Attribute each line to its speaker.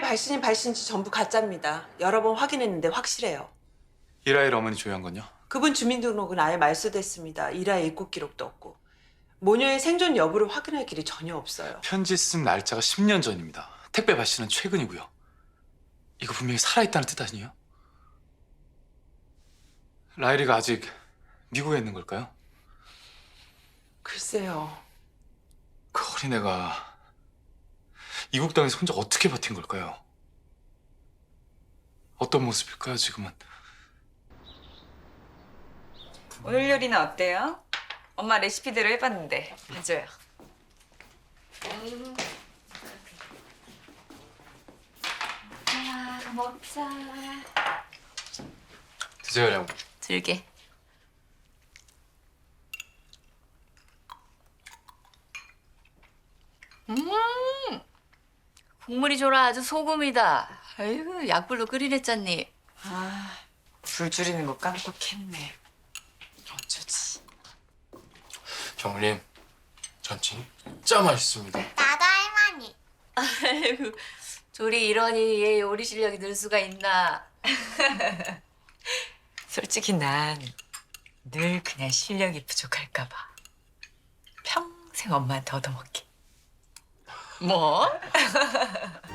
Speaker 1: 발신인지 전부 가짜입니다. 여러 번 확인했는데 확실해요.
Speaker 2: 이라엘 어머니 조회한 건요?
Speaker 1: 그분 주민등록은 아예 말소됐습니다. 일화의 입국 기록도 없고. 모녀의 생존 여부를 확인할 길이 전혀 없어요.
Speaker 2: 편지 쓴 날짜가 10년 전입니다. 택배 발신은 최근이고요. 이거 분명히 살아있다는 뜻 아니에요? 라일이가 아직 미국에 있는 걸까요?
Speaker 1: 글쎄요.
Speaker 2: 그 어린애가 이국 땅에서 혼자 어떻게 버틴 걸까요? 어떤 모습일까요, 지금은?
Speaker 3: 오늘 요리는 어때요? 엄마 레시피대로 해봤는데 봐줘요. 자, 먹자.
Speaker 2: 드세요, 형.
Speaker 3: 들게.
Speaker 4: 국물이 졸아 아주 소금이다. 아이고 약불로 끓이랬잖니.
Speaker 3: 아, 불 줄이는 거 깜빡했네. 어쩌지?
Speaker 5: 정님, 전 진짜 맛있습니다.
Speaker 6: 나도 할머니.
Speaker 4: 아이고 조리 이러니 얘 요리 실력이 늘 수가 있나.
Speaker 3: 솔직히 난 늘 그냥 실력이 부족할까 봐. 평생 엄마한테 얻어먹게.
Speaker 4: 뭐?